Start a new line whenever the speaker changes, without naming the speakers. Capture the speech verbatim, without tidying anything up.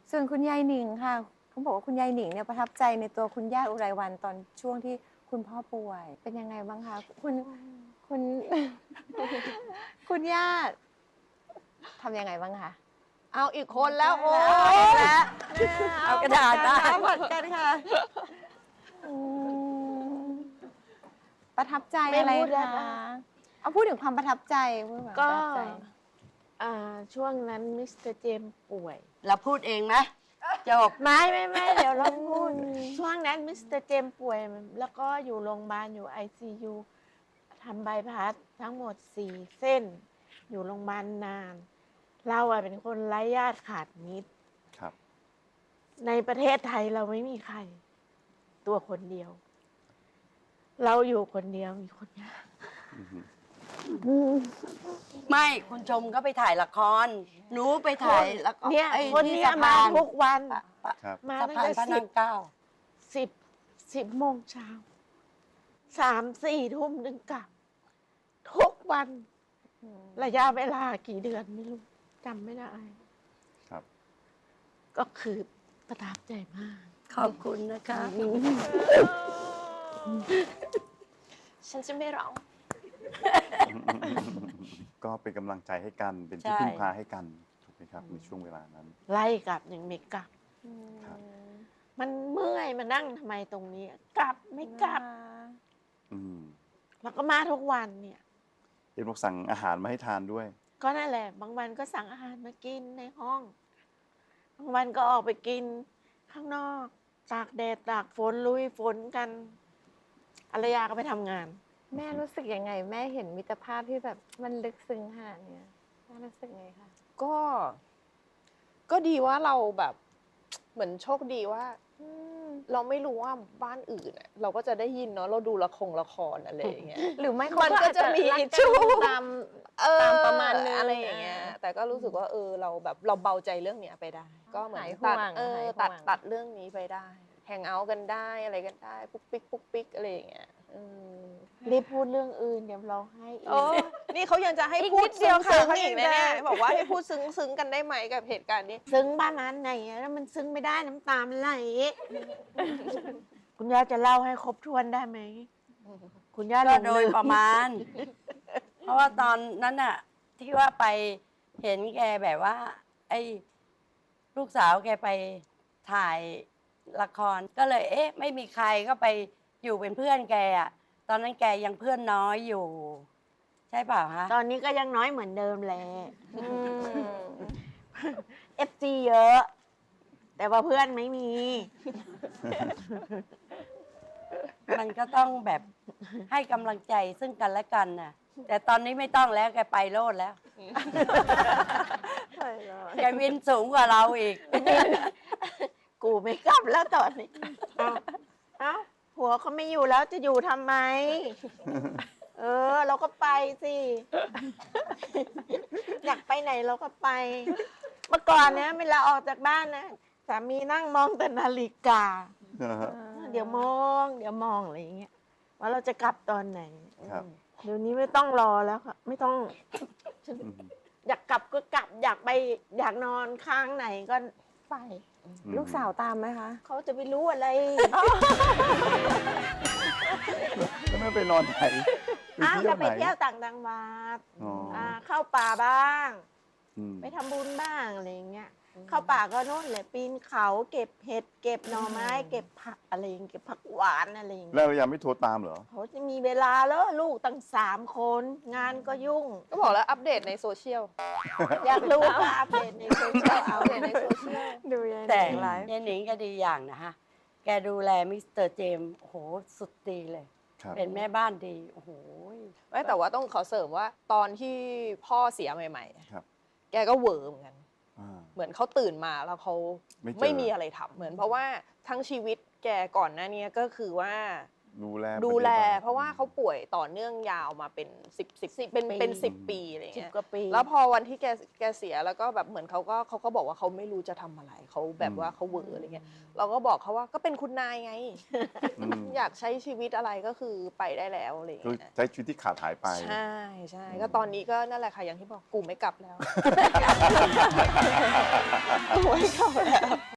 ส่วนคุณยายหนิงค่ะเขาบอกว่าคุณยายหนิงเนี่ยประทับใจในตัวคุณย่าอุไรวรรณตอนช่วงที่คุณพ่อป่วยเป็นยังไงบ้างคะคุณคุณ คุณย่าทำยังไงบ้างคะเอาอีกคนแล้วโอ้ยแล้วเอากระดาษมาผัดกันค่ะประทับใจอะไรคะเอาพูดถึงความประทับใจพูดแบบประทับใจ
ช่วงนั้นมิสเตอร์เจมป่วย
เราพูดเองไหมจบ
ไม่ไม่ไม่เดี๋ยวเราพูดช่วงนั้นมิสเตอร์เจมป่วย แล้วก็อยู่โรงพยาบาลอยู่ ไอ ซี ยู ทำใบพัดทั้งหมดสี่เส้น อยู่โรงพยาบาลนาน เราอะเป็นคนไร้ญาติขาดมิตรครับในประเทศไทยเราไม่มีใคร ตัวคนเดียว เราอยู่คนเดียวมีคนยาก
ไม่คุณชมก็ไปถ่ายละครหนูไปถ่ายละคร
เนี่ยคนนี้มาทุกวันมาตั้งแต่สิบเก้าสิบสิบโมงเช้าสามสี่ทุ่มนึงกลับทุกวันระยะเวลากี่เดือนไม่รู้จำไม่ได้ครับก็คือประทับใจมาก
ขอบคุณนะคะ
ฉันจะไม่ร้อง
ก็เป็นกำลังใจให้กันเป็นที่พึ่งพาให้กันถูกไหมครับในช่วงเวลานั้น
ไล่กลับยังไม่กลับมันเมื่อยมานั่งทำไมตรงนี้กลับไม่กลับแล้วก็มาทุกวันเนี่ย
เอ็มบอกสั่งอาหารมาให้ทานด้วย
ก็นั่นแหละบางวันก็สั่งอาหารมากินในห้องบางวันก็ออกไปกินข้างนอกตากแดดตากฝนลุยฝนกันอารยาก็ไปทำงาน
แม่รู้สึกยังไงแม่เห็นมิตรภาพที่แบบมันลึกซึ้งขนาดนี้แม่รู้สึกไงคะ
ก็ก็ดีว่าเราแบบเหมือนโชคดีว่าเราไม่รู้ว่าบ้านอื่นเราก็จะได้ยินเนาะเราดูละครละครอะไรอย่างเงี้ย
หรือไม่
มันก็จะมีชู้
ตาม
ตามประมาณนึงอะไรอย่างเงี้ยแต่ก็รู้สึกว่าเออเราแบบเราเบาใจเรื่องเนี้ยไปได้ก็เหมือนตัดเออตัดตัดเรื่องนี้ไปได้แฮงเอาท์กันได้อะไรกันได้ปุ๊กปิ๊กปุ๊กปิ๊กอะไรอย่างเงี้ย
รีบพูดเรื่องอื่นเดี๋ยวเราให้อีก
นี่เขายังจะให้พูดซึ้งซึ้งอีกแน่ๆบอกว่าให้พูดซึ้งซึ้งกันได้ไหมกับเหตุการณ์นี้
ซึ้งบ้านนั้นไหนแล้วมันซึ้งไม่ได้น้ำตามันไหลคุณย่าจะเล่าให้ครบถ้วนได้ไหมคุณย่า
ก็โดยประมาณเพราะว่าตอนนั้นน่ะที่ว่าไปเห็นแกแบบว่าไอ้ลูกสาวแกไปถ่ายละครก็เลยเอ๊ะไม่มีใครก็ไปอยู่เป็นเพื่อนแกอะตอนนั้นแกยังเพื่อนน้อยอยู่ใช่เปล่าคะ
ตอนนี้ก็ยังน้อยเหมือนเดิมแหละเอฟซีเยอะแต่ว่าเพื่อนไม่มี
มันก็ต้องแบบให้กำลังใจซึ่งกันและกันน่ะแต่ตอนนี้ไม่ต้องแล้วแกไปโลดแล้วแกวินสูงกว่าเราอีก
กูไม่กลับแล้วตอนนี้เอ้าผัวเขาไม่อยู่แล้วจะอยู่ทำไมเออเราก็ไปสิอยากไปไหนเราก็ไปเมื่อก่อนเนี้ยเวลาออกจากบ้านนะสามีนั่งมองแต่นาฬิกาเดี๋ยวมองเดี๋ยวมองอะไรอย่างเงี้ยว่าเราจะกลับตอนไหนเดี๋ยวนี้ไม่ต้องรอแล้วค่ะไม่ต้องอยากกลับก็กลับอยากไปอยากนอนข้างไหนก็ไป
ลูกสาวตามไหมคะ
เขาจะไปรู้อะไร
แล้วไม่ไปนอนไหน
ไปเที่ยวไหนไปเที่ยวต่างจังหวัดเข้าป่าบ้างไปทำบุญบ้างอะไรอย่างเงี้ยเข้าป่าก็โน่นแหละปีนเขาเก็บเห็ดเก็บหน่อไม้เก็บผักอะไรอย่างเก็บผักหวานอะไรอย่างเงี้ย
แล้วยังไม่โทรตามเหรอ
เขาจะมีเวลาแล้วลูกตั้งสามคนงานก็ยุ่ง
ก็บอกแล้วอัปเดตในโซเชียล
อยากรู้ก็อัปเดตในโซเชียลเอา
ในโซเชียล
ดูยัง
แต่ยายหนิงก็ดีอย่างนะฮะแกดูแลมิสเตอร์เจมโอ้โหสุดดีเลยเป็นแม่บ้านดีโอ้โห
ไม่แต่ว่าต้องขอเสริมว่าตอนที่พ่อเสียใหม่ๆแกก็เวอร์เหมือนกันเหมือนเขาตื่นมาแล้วเขาไม่มีอะไรทำเหมือนเพราะว่าทั้งชีวิตแกก่อนหน้านี้ก็คือว่า
ดูแล
ดูแล
ปฏิบัติ
เพราะว่าเขาป่วยต่อเนื่องยาวมาเป็นสิบสิบเป็นเป็นสิบปีอะไร
สิบ
เงี้ย
กว่าปี
แล้วพอวันที่แกแกเสียแล้วก็แบบเหมือนเขาก็เขาก็บอกว่าเขาไม่รู้จะทำอะไรเขาแบบว่าเขาเวอร์อะไรเงี้ยเราก็บอกเขาว่าก็เป็นคุณนายไง
อืม
อยากใช้ชีวิตอะไรก็คือไปได้แล้วอะไร
คือ
เงี้ย
ใช้ชีวิตที่ขาดหายไป
ใช่ใช่ก็ตอนนี้ก็นั่นแหละค่ะอย่างที่บอกกูไม่กลับแล้ว กูไม่กลับแล้ว